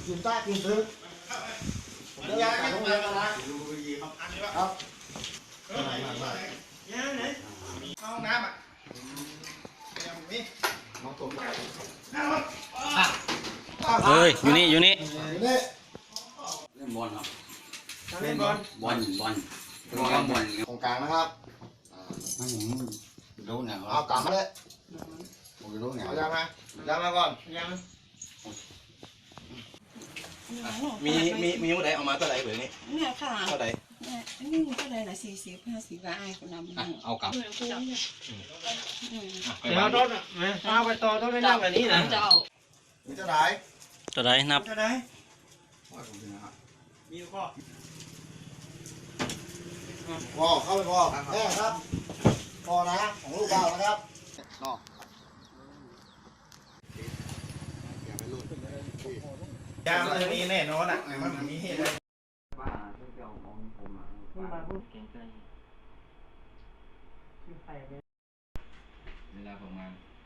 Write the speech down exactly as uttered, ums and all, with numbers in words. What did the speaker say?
กินใต้กินซื้อผมเลี้ยงไก่ต้องเลี้ยงนะนะครับย่างไหนห้องน้ำอ่ะยังมีน้องตัวเฮ้ยอยู่นี่อยู่นี่อยู่นี่เล่นบอลครับเล่นบอลบอลบอลบอลบอลตรงกลางนะครับไม่ผมรู้เนี่ยเอากลับมาเลยผมรู้เนี่ยเอายามาย่ามาก่อนยังมีมีมีผู้ใดเอามาเท่าไหร่เบอร์นี้เนี่ยค่ะเท่าไหร่เนี่ยอันนี้เท่าไหร่ละสี่สิบห้าสิบว่าไอ้คนนำเอากลับอืมเดี๋ยวต้นอ่ะเอาไปต่อต้นได้นั่งแบบนี้นะเจ้ามีเท่าไหร่ตัวใดนับจะได้มีข้อพอเข้าไปพอแน่ครับพอนะของลูกเบานะครับนอกยามมันมีแน่นอนอ่ะมันมีเหตุเวลาประมาณ